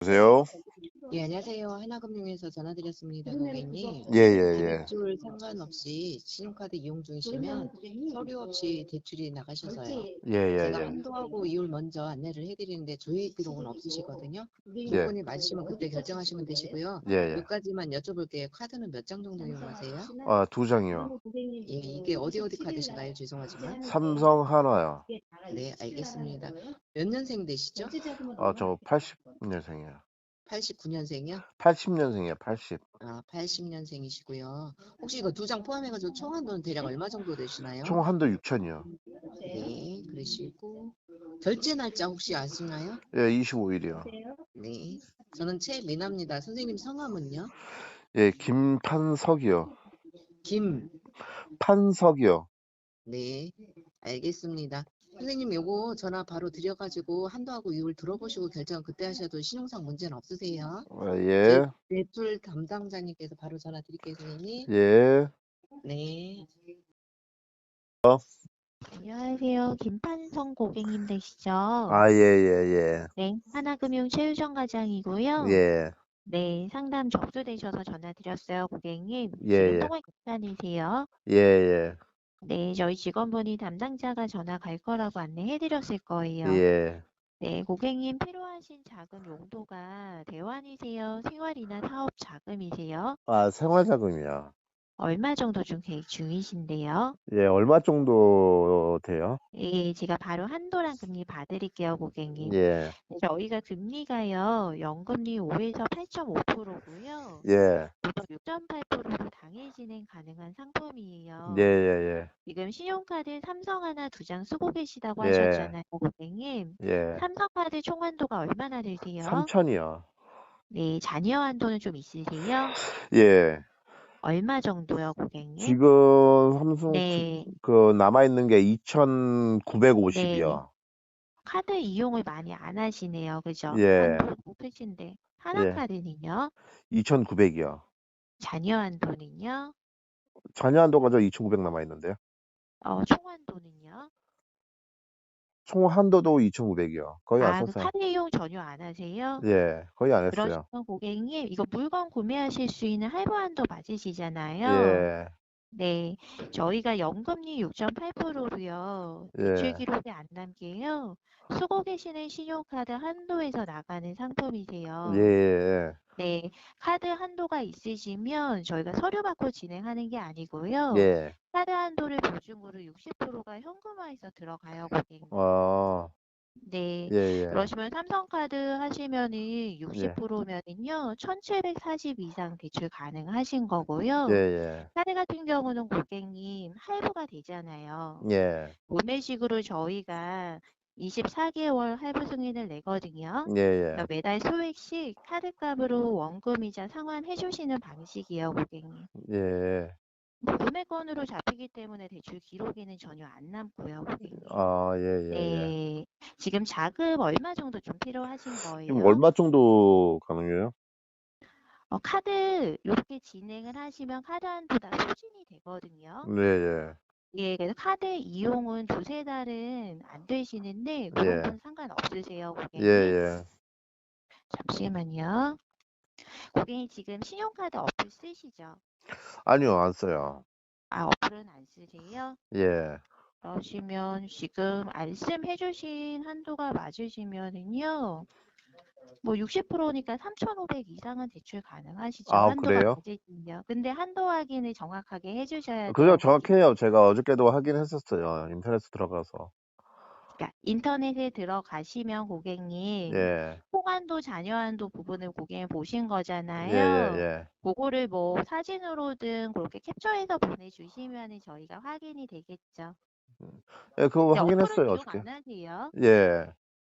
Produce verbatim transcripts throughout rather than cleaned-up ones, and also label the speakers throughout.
Speaker 1: 보세요.
Speaker 2: 예, 안녕하세요. 하나금융에서 전화드렸습니다, 고객님.
Speaker 1: 예, 예, 예.
Speaker 2: 자격증 상관없이 신용카드 이용 중이시면 서류 없이 대출이 나가셔서요.
Speaker 1: 예, 예,
Speaker 2: 제가
Speaker 1: 예.
Speaker 2: 한도하고 이율 먼저 안내를 해드리는데 조회 기록은 없으시거든요.
Speaker 1: 예,
Speaker 2: 조건이 맞으시면 그때 결정하시면 되시고요.
Speaker 1: 예, 예.
Speaker 2: 몇 가지만 여쭤볼게요. 카드는 몇 장 정도 이용하세요?
Speaker 1: 아, 두 장이요.
Speaker 2: 예, 이게 어디 어디 카드신가요? 죄송하지만.
Speaker 1: 삼성 한화요.
Speaker 2: 네, 알겠습니다. 몇 년생 되시죠?
Speaker 1: 아, 저 팔십 년생이에요.
Speaker 2: 팔십구 년생이요?
Speaker 1: 팔십 년생이에요, 팔십.
Speaker 2: 아, 팔십 년생이시고요. 혹시 이거 두 장 포함해가지고 총 한도는 대략 얼마 정도 되시나요?
Speaker 1: 총 한도 육천이요.
Speaker 2: 네, 그러시고 결제 날짜 혹시 아시나요?
Speaker 1: 예, 이십오 일이요.
Speaker 2: 네, 저는 최미나입니다. 선생님 성함은요?
Speaker 1: 예, 김판석이요.
Speaker 2: 김.
Speaker 1: 판석이요.
Speaker 2: 네, 알겠습니다. 선생님 요거 전화 바로 드려가지고 한도하고 이율 들어보시고 결정 그때 하셔도 신용상 문제는 없으세요?
Speaker 1: 아,
Speaker 2: 제
Speaker 1: 예,
Speaker 2: 대출 담당자님께서 바로 전화 드릴게요, 선생님.
Speaker 1: 예.
Speaker 2: 네.
Speaker 1: 어?
Speaker 3: 안녕하세요. 김판성 고객님 되시죠?
Speaker 1: 아, 예, 예,
Speaker 3: 네, 하나금융 최유정
Speaker 1: 예.
Speaker 3: 과장이고요.
Speaker 1: 예,
Speaker 3: 네, 상담 접수되셔서 전화드렸어요, 고객님.
Speaker 1: 예,
Speaker 3: 지금
Speaker 1: 예.
Speaker 3: 통화 괜찮으세요?
Speaker 1: 예, 예.
Speaker 3: 네, 저희 직원분이 담당자가 전화 갈 거라고 안내해드렸을 거예요.
Speaker 1: 예.
Speaker 3: 네, 고객님 필요하신 자금 용도가 대환이세요? 생활이나 사업 자금이세요?
Speaker 1: 아, 생활자금이요.
Speaker 3: 얼마 정도 좀 계획 중이신데요?
Speaker 1: 예, 얼마 정도 돼요?
Speaker 3: 예, 제가 바로 한도랑 금리 봐드릴게요, 고객님.
Speaker 1: 예,
Speaker 3: 저희가 금리가요, 연금리 오에서 팔 점 오 퍼센트고요.
Speaker 1: 예,
Speaker 3: 무려 육 점 팔 퍼센트로 당일 진행 가능한 상품이에요.
Speaker 1: 예, 예,
Speaker 3: 지금 신용카드 삼성 하나 두 장 쓰고 계시다고
Speaker 1: 예.
Speaker 3: 하셨잖아요, 고객님.
Speaker 1: 예,
Speaker 3: 삼성카드 총 한도가 얼마나 되세요?
Speaker 1: 삼천이요.
Speaker 3: 네, 잔여 한도는 좀 있으세요?
Speaker 1: 예,
Speaker 3: 얼마 정도요, 고객님?
Speaker 1: 지금 삼성
Speaker 3: 네,
Speaker 1: 그 남아있는 게
Speaker 3: 네.
Speaker 1: 이천구백오십이요.
Speaker 3: 카드 이용을 많이 안 하시네요, 그죠?
Speaker 1: 예,
Speaker 3: 한도 높으신데.
Speaker 1: 예,
Speaker 3: 하나카드는요?
Speaker 1: 이천구백이요.
Speaker 3: 잔여 한도는요?
Speaker 1: 잔여 한도가 저 이천구백 남아있는데요.
Speaker 3: 어, 총 한도는요?
Speaker 1: 총 한도도 이천구백이요. 거의 안
Speaker 3: 아, 그
Speaker 1: 썼어요.
Speaker 3: 카드 이용 전혀 안 하세요?
Speaker 1: 예, 거의 안 했어요.
Speaker 3: 그러시면 고객님, 이거 물건 구매하실 수 있는 할부 한도 맞으시잖아요.
Speaker 1: 예,
Speaker 3: 네, 저희가 연금리 육 점 팔 퍼센트로요.
Speaker 1: 예,
Speaker 3: 대출 기록이 안 남게요. 쓰고 계시는 신용카드 한도에서 나가는 상품이세요.
Speaker 1: 예, 예,
Speaker 3: 네, 카드 한도가 있으시면 저희가 서류 받고 진행하는 게 아니고요.
Speaker 1: 예.
Speaker 3: 카드 한도를 보증으로 육십 퍼센트가 현금화해서 들어가요, 고객님.
Speaker 1: 어,
Speaker 3: 네,
Speaker 1: 예, 예,
Speaker 3: 그러시면 삼성카드 하시면은
Speaker 1: 예,
Speaker 3: 육십 퍼센트면은요, 천칠백사십 이상 대출 가능하신 거고요.
Speaker 1: 예, 예,
Speaker 3: 카드 같은 경우는 고객님 할부가 되잖아요.
Speaker 1: 예,
Speaker 3: 구매식으로 저희가 이십사 개월 할부 승인을 내거든요.
Speaker 1: 예, 예,
Speaker 3: 그러니까 매달 소액씩 카드값으로 원금이자 상환해 주시는 방식이에요, 고객님.
Speaker 1: 예.
Speaker 3: 구매건으로 잡히기 때문에 대출 기록에는 전혀 안 남고요, 고객님.
Speaker 1: 아, 예, 예, 예.
Speaker 3: 네, 지금 자금 얼마 정도 좀 필요하신
Speaker 1: 지금
Speaker 3: 거예요?
Speaker 1: 얼마 정도 가능해요?
Speaker 3: 어, 카드 이렇게 진행을 하시면 카드 한도 다 소진이 되거든요.
Speaker 1: 네, 예,
Speaker 3: 예, 그래서 카드 이용은 두세 달은 안 되시는데 그런
Speaker 1: 예,
Speaker 3: 건 상관없으세요,
Speaker 1: 예,
Speaker 3: 고객님?
Speaker 1: 예.
Speaker 3: 잠시만요. 고객님 지금 신용카드 어플 쓰시죠?
Speaker 1: 아니요, 안 써요.
Speaker 3: 아, 어플은 안 쓰세요?
Speaker 1: 예,
Speaker 3: 그러시면 지금 말씀해 주신 한도가 맞으시면은요. 뭐 육십 퍼센트니까 삼천오백 이상은 대출 가능하시죠.
Speaker 1: 아,
Speaker 3: 한도가
Speaker 1: 그래요?
Speaker 3: 맞으시면. 근데 한도 확인을 정확하게 해 주셔야
Speaker 1: 그죠,
Speaker 3: 돼요, 고객님.
Speaker 1: 정확해요. 제가 어저께도 확인했었어요. 인터넷에 들어가서.
Speaker 3: 그러니까 인터넷에 들어가시면 고객님
Speaker 1: 예,
Speaker 3: 호환도 잔여한도 부분을 고객님 보신
Speaker 1: 예, 예,
Speaker 3: 거잖아요.
Speaker 1: 예.
Speaker 3: 그거를 뭐 사진으로든 그렇게 캡처해서 보내주시면 저희가 확인이 되겠죠.
Speaker 1: 예, 그거
Speaker 3: 근데 어플은
Speaker 1: 확인했어요,
Speaker 3: 이용
Speaker 1: 어저께.
Speaker 3: 안 하세요?
Speaker 1: 예,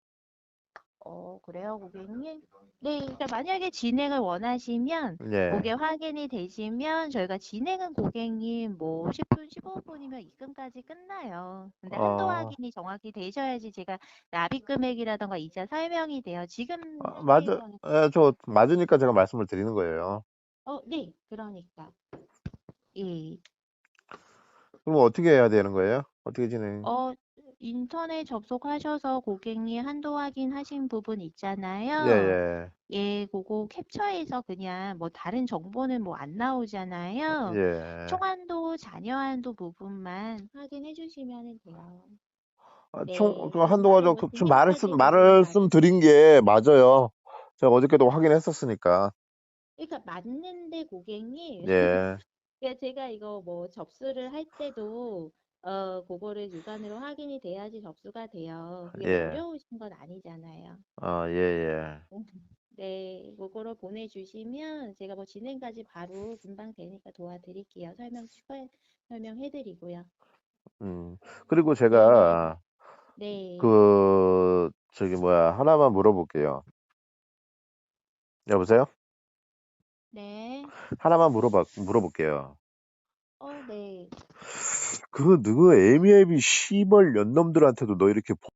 Speaker 3: 어, 그래요, 고객님? 네, 그러니까 만약에 진행을 원하시면
Speaker 1: 예.
Speaker 3: 그게 확인이 되시면 저희가 진행은 고객님 뭐 십 분, 십오 분이면 입금까지 끝나요. 근데 한도
Speaker 1: 어,
Speaker 3: 확인이 정확히 되셔야지 제가 납입 금액이라던가 이자 설명이 돼요. 지금
Speaker 1: 아, 맞아,
Speaker 3: 현재에서는
Speaker 1: 예, 저 맞으니까 제가 말씀을 드리는 거예요.
Speaker 3: 어, 네, 그러니까. 예.
Speaker 1: 그럼 어떻게 해야 되는 거예요? 어떻게 진행?
Speaker 3: 어, 인터넷 접속하셔서 고객님 한도 확인하신 부분
Speaker 1: 예,
Speaker 3: 있잖아요.
Speaker 1: 예,
Speaker 3: 예, 그거 캡처해서 그냥 뭐 다른 정보는 뭐 안 나오잖아요.
Speaker 1: 예.
Speaker 3: 총한도, 잔여한도 부분만 확인해 주시면 돼요.
Speaker 1: 아,
Speaker 3: 네,
Speaker 1: 총, 그
Speaker 3: 그럼
Speaker 1: 한도가
Speaker 3: 바로
Speaker 1: 좀,
Speaker 3: 뭐
Speaker 1: 그, 좀 말을
Speaker 3: 진행까지
Speaker 1: 쓴,
Speaker 3: 그러면
Speaker 1: 말씀
Speaker 3: 가능.
Speaker 1: 드린 게 맞아요. 제가 어저께도 확인했었으니까.
Speaker 3: 그러니까 맞는데 고객님,
Speaker 1: 예,
Speaker 3: 그러니까 제가 이거 뭐 접수를 할 때도 어 그거를 육안으로 확인이 돼야지 접수가 돼요. 그게 뭐
Speaker 1: 예,
Speaker 3: 어려우신 건 아니잖아요.
Speaker 1: 어, 예, 예.
Speaker 3: 네, 그거를 보내주시면 제가 뭐 진행까지 바로 금방 되니까 도와드릴게요. 설명 추가 설명해드리고요.
Speaker 1: 음, 그리고
Speaker 3: 네,
Speaker 1: 제가,
Speaker 3: 네,
Speaker 1: 그, 저기, 뭐야, 하나만 물어볼게요. 여보세요?
Speaker 3: 네,
Speaker 1: 하나만 물어봐, 물어볼게요.
Speaker 3: 어, 네.
Speaker 1: 그, 누구, 에미앱이 시벌 연놈들한테도 너 이렇게